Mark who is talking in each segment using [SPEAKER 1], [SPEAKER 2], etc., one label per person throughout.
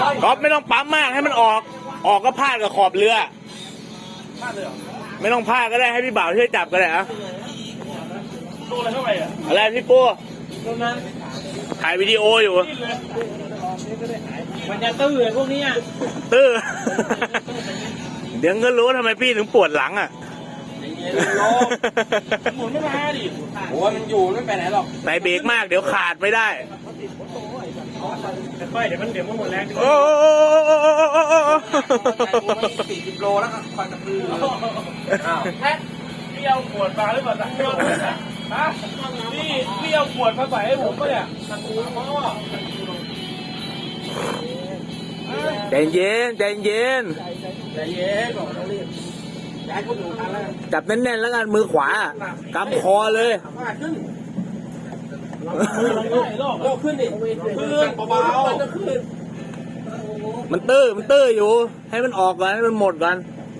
[SPEAKER 1] ก๊อฟไม่ต้องปั๊มมากให้มันออกก็พาดกับขอบเรือไม่ต้องพาดก็ได้ให้พี่บ่าวช่วยจับก็ได้อะโดนอะไรเข้าไปอ่ะอะไรพี่ปูถ่ายวิดีโออยู่
[SPEAKER 2] มันจะตื้อพวกนี้
[SPEAKER 1] ตื้อเดี๋ยวก็รู้ทำไมพี่ถึงปวดหลังอ่ะ
[SPEAKER 2] หมุนไม่มาดิโอ้ยมันอยู่ไม่ไปไหนหรอก
[SPEAKER 1] ใส่เบรกมากเดี๋ยวขาดไม่ได้
[SPEAKER 2] ค่อยเดี๋ยวมันหมดแรง
[SPEAKER 1] โอ้
[SPEAKER 2] 40 โลแล้วคอยกระพือพี่เอาขวดมาหรือเปล่าฮะพี่เอาขวดมาใส่ให้ผมป่ะเนี่ย
[SPEAKER 1] ใจเย็นใจเย็น
[SPEAKER 2] ก่อนต้องรีบย้ายคนหนูทันแล้ว
[SPEAKER 1] จับแน่นๆแล้วกันมือขวากำคอเลย
[SPEAKER 2] โลกขึ้นดิขึ้นเบาๆจะขึ้น
[SPEAKER 1] มันตื้ออยู่ให้มันออกก่อนให้มันหมดก่อน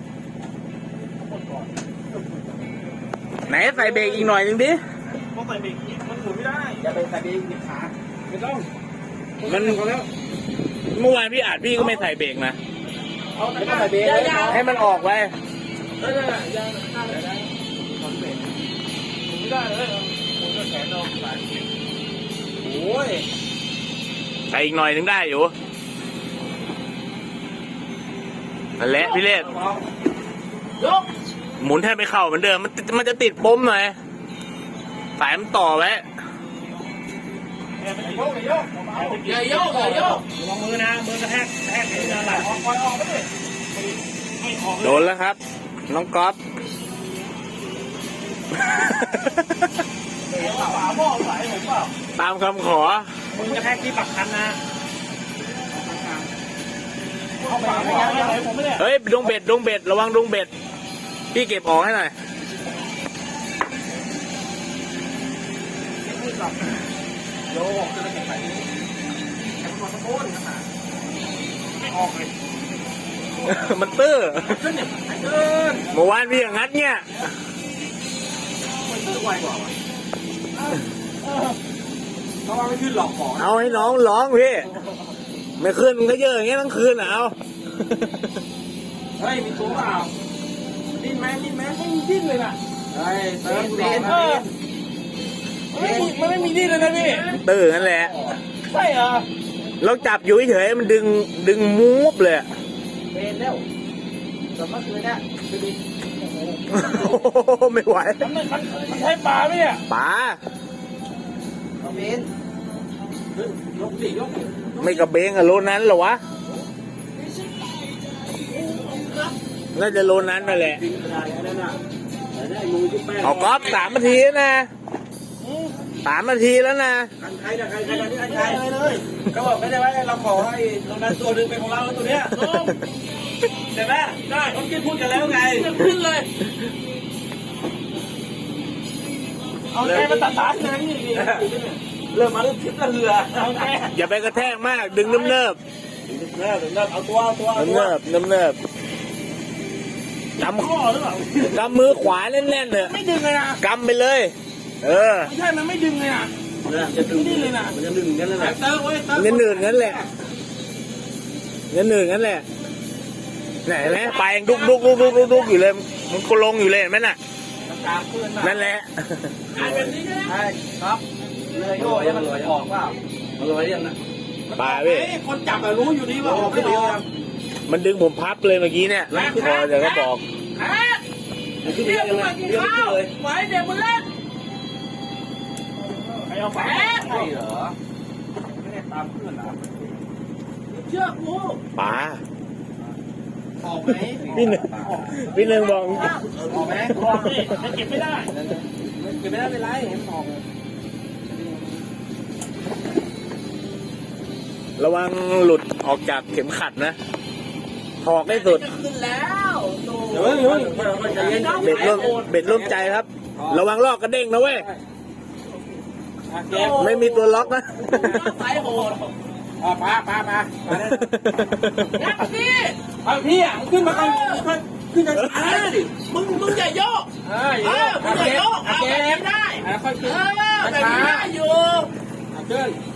[SPEAKER 1] ไหนใส่เบรกอีกหน่อยนึงดิ
[SPEAKER 2] ต้องใส่เบรกมันหมุนไม่ได้อย่าไปใส่เบรกติดขาไม่ต้อง
[SPEAKER 1] มัน
[SPEAKER 2] แล้ว
[SPEAKER 1] เมื่อวานพี่อาจพี่ก็ไม่ใส่เบรกนะ
[SPEAKER 2] ไม่ต้องใส่เบรก
[SPEAKER 1] ให้มันออกไป
[SPEAKER 2] ไม่ได้ยังไม่ได้ไม่ได้เลยผมก็แขนเราโอ้ย
[SPEAKER 1] ใส่อีกหน่อยนึงได้อยู่นั่นแหละพี่เล็กหมุนแทบไม่เข้าเหมือนเดิมมันจะติดปมหน่อยสายมันต่อไว้
[SPEAKER 2] อย่าโยกระวังมือนะมือกระแทกมือนะไหลออกไม่ได้
[SPEAKER 1] โดนแล้วครับน้องก๊อฟตามคำขอ
[SPEAKER 2] มือกระแทกที่ปักคันนะ
[SPEAKER 1] เฮ้ยดงเบ็ดระวังดงเบ็ดพี่เก็บออกให้หน่อย
[SPEAKER 2] โยกจะได้เก็บไปแขนตะโกนไม่ออกเลย
[SPEAKER 1] มันตื้อเมื่อวานพี่อย่างนั้นเนี่ย
[SPEAKER 2] มันตื้อไวกว่าเขาว่าไม่ขึ้นหลอกของ
[SPEAKER 1] เอาให้น้องร้องพี่ไม่ขึ้นมันก็เยอะอย่างเงี้ยทั้งคืนเอา
[SPEAKER 2] เฮ้ยมีตัวเปล่าดิ้นไหมไม่ดิ้นเลยน่ะเฮ้ยเติมมันไม่มีดิ้นเลยนะพี่
[SPEAKER 1] ตื้อนั่นแหละ
[SPEAKER 2] ใช่เหรอ
[SPEAKER 1] เราจับอยู่เฉยมันดึงมูฟเลย
[SPEAKER 2] เป็นแล้วแต่เมื่อคืนเนี่ยดูดิ
[SPEAKER 1] ไม่ไหว
[SPEAKER 2] มันใช้ปลาไหมเนี่ย
[SPEAKER 1] ปลา
[SPEAKER 2] เป็นยกดิ
[SPEAKER 1] ไม่กระเบงอะโลนั้นเหรอวะน่าจะโลนั้นนั่นแหละเอาก๊อฟ3 นาทีนะ3 นาทีแล้วนะ
[SPEAKER 2] ใครเลยก็บอกไม่ได้ว่าเราขอให้โลนั้นตัวนึงเป็นของเราตัวเนี้ยใช่ไหมได้เขาคิดพูดกันแล้วไงขึ้นเลยเอาแกมาตัดสายนะนี่เริ่มมาเริ่มทิพย์ละเรือ
[SPEAKER 1] อย่าไปกระแทกมากดึงเนิบ
[SPEAKER 2] เอาตัว
[SPEAKER 1] เนิบกำ
[SPEAKER 2] ข้อหรือเปล่าก
[SPEAKER 1] ำมือขวาแน่นๆเลย
[SPEAKER 2] ไม่ดึงเลยนะ
[SPEAKER 1] กำไปเลย
[SPEAKER 2] ไม่ใช่มันไม่ดึงเลยนะ
[SPEAKER 1] จะดึง
[SPEAKER 2] เลยนะ
[SPEAKER 1] มันจะดึงงั้นแหละ
[SPEAKER 2] เงินหนึ่ง
[SPEAKER 1] งั้นแหละไหนไหมไปดุกอยู่เลยมันก็ลงอยู่เลยไหมน่ะนั่นแหละ
[SPEAKER 2] ใช่ครับเลยโย่ยังมันออกว่า
[SPEAKER 1] มันลอยยังนะปลาเว้ย
[SPEAKER 2] คนจับรู้อยู่นี่ว่าออกไม่ออก
[SPEAKER 1] มันดึงผมพับเลยเมื่อกี้เนี่ยพอเดี๋ยวก็บอก
[SPEAKER 2] ขึ้นไปยังไงเรื่องขึ้นเลยไว้เดี๋ยวมันเล่นใครเอาแฝงใช่เหรอไม่ได้ตามเพื่อนหรอเชื่อกู
[SPEAKER 1] ปลา
[SPEAKER 2] ออกไหม
[SPEAKER 1] พี่หนึ่งบอก
[SPEAKER 2] ออกไหมออกดิเก็บไม่ได้เป็นไรเห็นออก
[SPEAKER 1] ระวังหลุดออกจากเข็มขัดนะถอกได้สุด
[SPEAKER 2] ขึ้นแล้ว
[SPEAKER 1] เบ็ดร่วมใจครับระวังลอกกระเด้งนะเว้ยไม่มีตัวล็อกนะ
[SPEAKER 2] สายโหดปลาพี่อ่ะขึ้นมาก่อนขึ้นจะดิมึงอย่าโยกมึงอย่าโยกเอาแบบนี้ได้ค่อยขึ้นแบบนี้ได้อยู่